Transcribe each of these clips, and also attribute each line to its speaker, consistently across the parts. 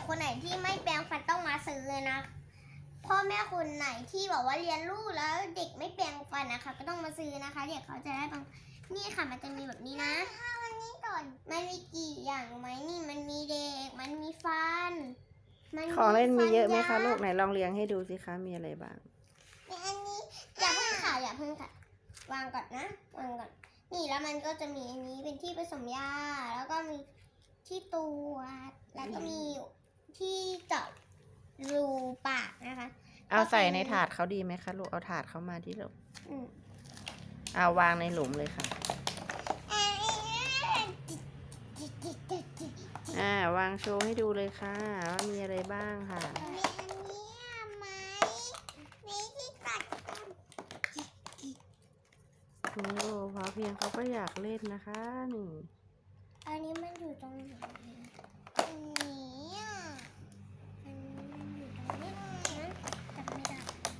Speaker 1: คนไหนที่ไม่แปรงฟันต้องมาซื้อเลยนะพ่อแม่คนไหนที่บอกว่าเรียนลูกแล้วเด็กไม่แปรงฟันนะคะก็ต้องมาซื้อนะคะเด็กเขาจะได้บางนี่ค่ะมันจะมีแบบนี้นะวันนี้ก่อนมันมีกี่อย่างรู้ไหมนี่มันมีเด็กมันมีฟัน
Speaker 2: ของเล่นมีเยอะไหมคะลูกไหนลองเรียงให้ดูสิคะมีอะไรบ้าง
Speaker 1: อันนี้อย่าเพิ่งค่ะวางก่อนนะวางก่อนนี่แล้วมันก็จะมีอันนี้เป็นที่ผสมยาแล้วก็มีที่ตัวแล้วก็มีที่เจาะรูปากนะคะ
Speaker 2: เอาใส่ในถาดเขาดีไหมคะลูกเอาถาดเขามาที่ลูกเอาวางในหลุมเลยค่ะวางโชว์ให้ดูเลยค่ะว่ามีอะไรบ้างค่ะ
Speaker 1: มีอันนี้ไหมมีที่กัด
Speaker 2: โอ้พอเพียงเขาก็อยากเล่นนะคะนี่
Speaker 1: อันนี้มันอยู่ตรงไหนอันนี้มันอยู่ตรงนี้นะจำไม่ได้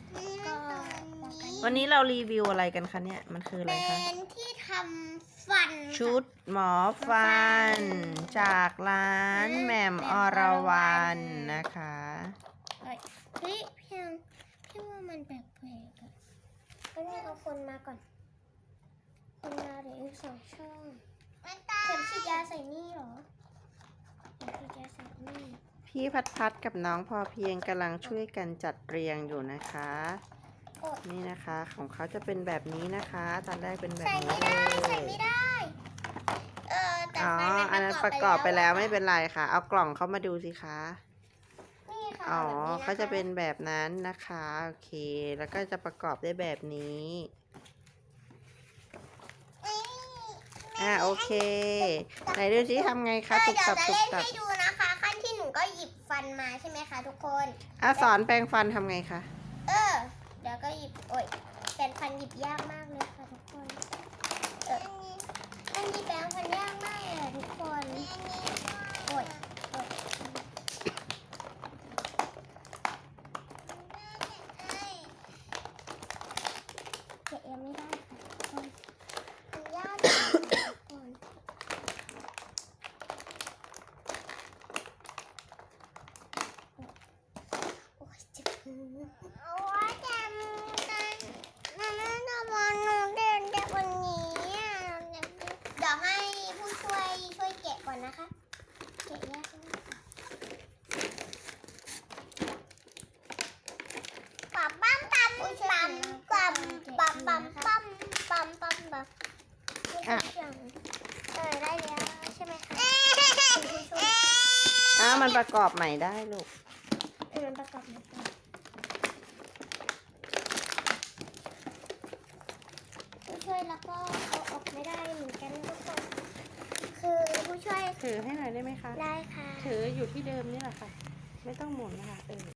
Speaker 2: วันนี้เรารีวิวอะไรกันคะเนี่ยมันคืออะไรคะ
Speaker 1: เป็นที่ทำฟัน
Speaker 2: ชุดหมอฟันจากร้านแหม่มอรวรรณนะคะ
Speaker 1: เฮ้ยพี่ว่ามันแปลกๆอ่ะก็นี่เอาคนมาก่อนคนมาเดี๋ยว2 ช่องเข็มฉีดยาใส่นี่เหรอเข็มฉีดยาใส่นี่
Speaker 2: พี่พัดกับน้องพอเพียงกำลังช่วยกันจัดเรียงอยู่นะคะนี่นะคะของเขาจะเป็นแบบนี้นะคะตอนแรกเป็นแบบนี้เลย
Speaker 1: ใส่ไม่ได้แต่
Speaker 2: อันนั้นประกอบไปแล้วไม่เป็นไรค่ะเอากล่องเขามาดูสิคะเขาจะเป็นแบบนั้นนะคะโอเคแล้วก็จะประกอบได้แบบนี้โอเคไหนดูสิทำไงคะตุบตับ
Speaker 1: ให้ดูนะคะขั้นที่หนูก็หยิบฟันมาใช่ไหมคะทุกคน
Speaker 2: สอนแปรงฟันทำไงคะ
Speaker 1: เดี๋ยวก็หยิบแปรงฟันหยิบยากมากเลยค่ะทุกคนอันนี้แปรงฟันยากมากเลยทุกคนเก็บยังไม่ได้ค่ะทุกคนมันยากทุกคนเจ็บมือเดี๋ยวให้ผู้ช่วยแกะก่อนนะคะแกะยากมากปั๊มได้แล้วใช่ไหมคะ
Speaker 2: มันประกอบใหม่ได้ลูก
Speaker 1: มันประกอบใหม่ผู้ช่วยแล้วก็เอาออกไม่ได้เหมือนกันทุกคนคือผู้ช่วย
Speaker 2: ถือให้หน่อยได้ไหมคะ
Speaker 1: ได้ค่ะ
Speaker 2: ถืออยู่ที่เดิมนี่แหละค่ะไม่ต้องหมุนนะคะ